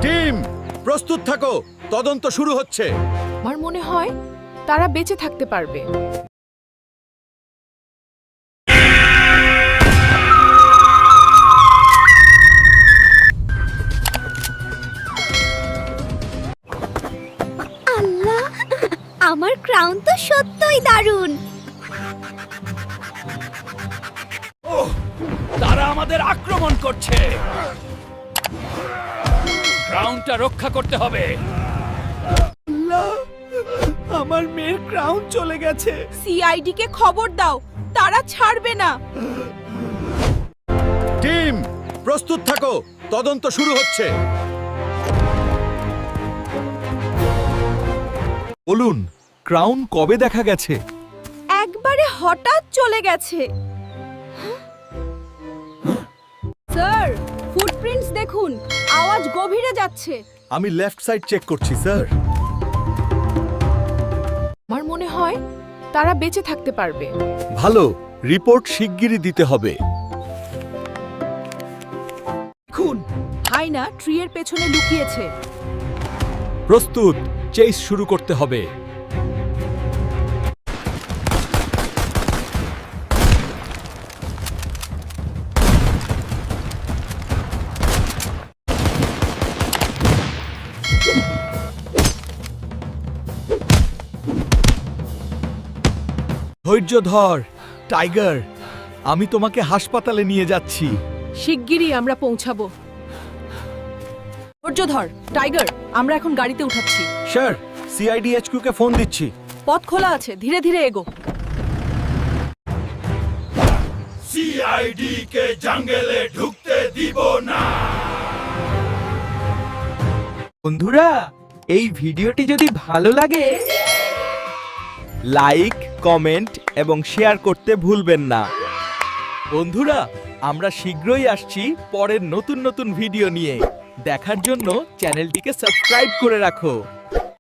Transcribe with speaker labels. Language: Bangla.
Speaker 1: টিম প্রস্তুত থাকো, তদন্ত শুরু হচ্ছে।
Speaker 2: আমার মনে হয় তারা বেঁচে থাকতে পারবে।
Speaker 3: আল্লাহ, আমার ক্রাউন তো সত্যই দারুণ।
Speaker 4: তারা আমাদের আক্রমণ করছে। ক্রাউনটা রক্ষা করতে হবে।
Speaker 5: আমার মেয়ের ক্রাউন চলে গেছে।
Speaker 2: সিআইডি কে খবর দাও, তারা ছাড়বে না।
Speaker 1: টিম প্রস্তুত থাকো, তদন্ত শুরু হচ্ছে।
Speaker 5: বলুন, ক্রাউন কবে দেখা গেছে?
Speaker 2: একবারে হঠাৎ চলে গেছে। স্যার, ফুটপ্রিন্টস দেখুন, আওয়াজ গভীরে যাচ্ছে।
Speaker 1: আমি লেফট সাইড চেক করছি স্যার।
Speaker 2: আমার মনে হয় তারা বেঁচে থাকতে পারবে।
Speaker 1: ভালো, রিপোর্ট শিগগিরই দিতে হবে।
Speaker 2: দেখুন, হাইনা ট্রি এর পেছনে লুকিয়েছে।
Speaker 5: প্রস্তুত, চেস শুরু করতে হবে। ধৈর্য ধর, টাইগার। আমি তোমাকে হাসপাতালে নিয়ে যাচ্ছি।
Speaker 2: শিগগিরই আমরা পৌঁছাবো। ধৈর্য ধর, টাইগার। আমরা এখন গাড়িতে উঠাচ্ছি।
Speaker 1: স্যার, সিআইডিএইচকিউ কে ফোন দিচ্ছি।
Speaker 2: পথ খোলা আছে, ধীরে ধীরে এগো।
Speaker 4: সিআইডি কে জঙ্গলে ঢুকতে দিব না।
Speaker 5: বন্ধুরা, এই ভিডিওটি যদি ভালো লাগে লাইক, কমেন্ট এবং শেয়ার করতে ভুলবেন না। বন্ধুরা, আমরা শীঘ্রই আসছি পরের নতুন নতুন ভিডিও নিয়ে। দেখার জন্য চ্যানেলটিকে সাবস্ক্রাইব করে রাখো।